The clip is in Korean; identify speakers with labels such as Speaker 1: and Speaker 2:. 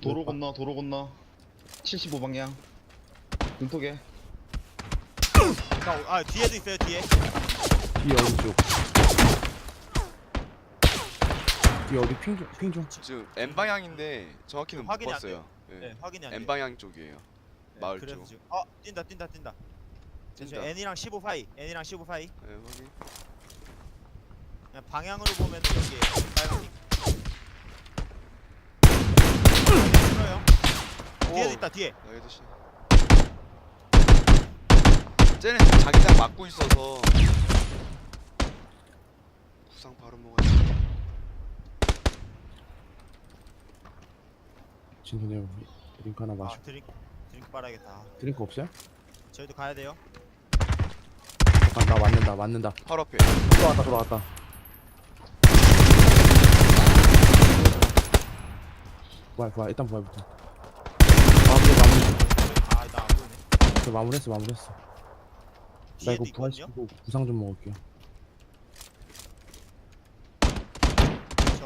Speaker 1: 도로 건너 75방향 눈톡에.
Speaker 2: 뒤에도 있어요. 뒤에.
Speaker 3: 뒤에 오른쪽. 뒤에 어디 핑 좀.
Speaker 4: 지금 N 방향인데 정확히는 못
Speaker 2: 확인이 안
Speaker 4: 봤어요. 예.
Speaker 2: 네, 확인이 안 돼.
Speaker 4: N 방향 쪽이에요. 마을
Speaker 2: 그래서
Speaker 4: 쪽.
Speaker 2: 지금 뛴다.
Speaker 4: 뛴다.
Speaker 2: N이랑 15 사이. N이랑 15 사이.
Speaker 4: 예, 확인.
Speaker 2: 그냥 방향으로 보면 여기 빨간 싫어요. 뒤에도 있다. 뒤에.
Speaker 4: 나이도 씨. 쟤는 지금 자기장 막고 있어서 구상 바로 먹어야 돼.
Speaker 3: 진선이 드링크 하나 마셔.
Speaker 2: 드링크 빨아야겠다.
Speaker 3: 드링크 없어요?
Speaker 2: 저희도 가야 돼요.
Speaker 3: 아, 나 맞는다.
Speaker 4: 바로 앞에.
Speaker 3: 돌아왔다. 부활. 일단 부활부터.
Speaker 2: 나안 보이네.
Speaker 3: 마무리했어. 나
Speaker 2: 뒤에도
Speaker 3: 이거 부활
Speaker 2: 있거든요.
Speaker 3: 시키고 구상 좀 먹을게요.